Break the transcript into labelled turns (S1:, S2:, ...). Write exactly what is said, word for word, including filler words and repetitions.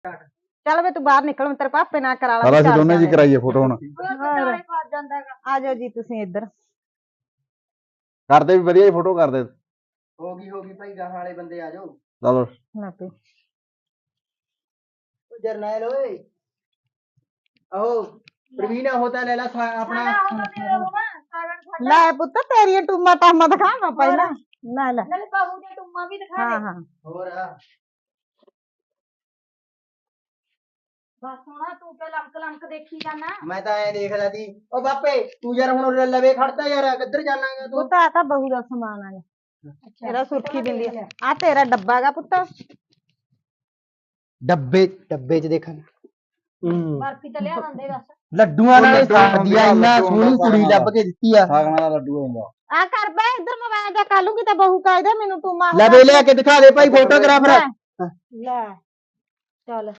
S1: चल वे तू बाहर निकल मैं तेरे पापे ना करा ला
S2: चल ਅਸੀਂ ਦੋਨੇ जी कराइए फोटो ਹੁਣ
S1: आ जाओ जी तुसी इधर
S2: ਕਰਦੇ ਵੀ ਵਧੀਆ ਜੀ फोटो ਕਰਦੇ
S3: होगी होगी भाई गाहां वाले बंदे आ जाओ
S2: चलो
S1: ना पे
S3: जरनैल ओए आओ प्रवीण होता ले ला अपना
S1: ले पुत्त तेरी टूमा टामा दिखा ना पहला ले ले
S4: नाले बहू दे टुम्मा भी दिखा
S1: हां
S4: दे
S1: हां
S3: हो रहा
S4: बस सोना तू पे लमक लमक देखी जाना
S3: मैं तो ऐ देख रहा थी ओ बापे तू यार हुन लवे खड़ता यार किधर जानागा तू
S1: पुत्त आ ता बहू दा सामान है ਇਹਦਾ ਸੁਰਖੀ ਬਿੰਦੀ ਆ ਤੇਰਾ ਡੱਬਾ ਗਾ ਪੁੱਤ
S3: डब्बे डब्बे च देखा
S4: बर्फी तो लिया दंदे बस
S3: ਲੱਡੂਆਂ ਨਾਲ ਸਾਦੀ ਆ ਇੰਨਾ ਸੋਹਣੀ ਕੁੜੀ ਲੱਭ ਕੇ ਦਿੱਤੀ ਆ
S2: ਸਾਗਣਾ ਦਾ ਲੱਡੂ ਹੁੰਦਾ
S1: ਆ ਕਰ ਬੈ ਇੱਧਰ ਮੋਬਾਈਲ ਦਾ ਕਾਲੂਗੀ ਤਾਂ ਬਹੂ ਕਾਇਦਾ ਮੈਨੂੰ ਤੂੰ ਮਾਂ
S3: ਲੈ ਵੇ ਲਿਆ ਕੇ ਦਿਖਾ ਦੇ ਭਾਈ ਫੋਟੋਗ੍ਰਾਫਰ
S1: ਲੈ ਚੱਲ